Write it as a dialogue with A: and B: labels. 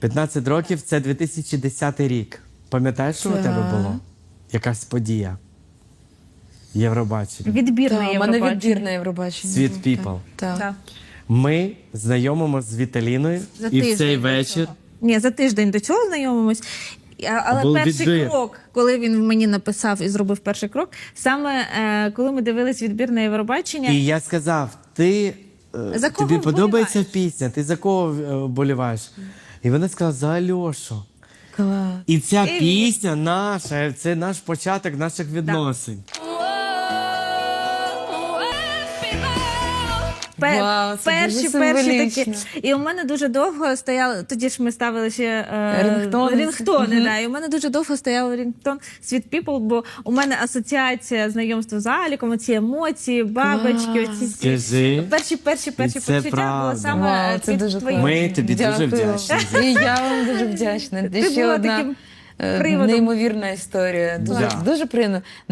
A: 15 років – це 2010 рік. Пам'ятаєш, що у тебе було? Якась подія? Євробачення.
B: Відбірне
C: Так, у
B: Євробачення.
C: мене відбірне Євробачення.
A: Sweet People.
C: Так.
B: Так.
A: Ми знайомимося з Віталіною,
B: За
A: і в
B: тиждень
A: цей
B: до
A: вечір...
B: цього. Ні, за тиждень до цього знайомимось. Але
A: Був
B: перший
A: відбір.
B: крок, коли він мені написав і зробив перший крок, саме коли ми дивились відбірне Євробачення.
A: І я сказав, ти,
B: За кого
A: тобі подобається
B: вболіваєш?
A: пісня, ти за кого вболіваєш? І вона сказала, за Альошу.
C: Клас.
A: І ця пісня наша, це наш початок наших відносин.
C: Вау, це дуже
B: Перші
C: символічно.
B: такі. І у мене дуже довго стояли, тоді ж ми ставили ще
C: Рінгтони.
B: да, і у мене дуже довго стояв рінгтон Sweet People, бо у мене асоціація знайомства з Аліком, ці емоції, бабочки, оці всі.
A: Скажи.
B: Перші
A: І це
B: почуття було
A: правда.
B: саме
C: Вау, це
B: від
C: дуже
B: твоїх.
A: Ми тобі дуже
C: Дякую.
A: вдячні.
C: І я вам дуже вдячна.
B: Ти
C: Ще
B: була
C: одна
B: таким приводом.
C: неймовірна історія. Дуже,
A: Да.
C: дуже приємно.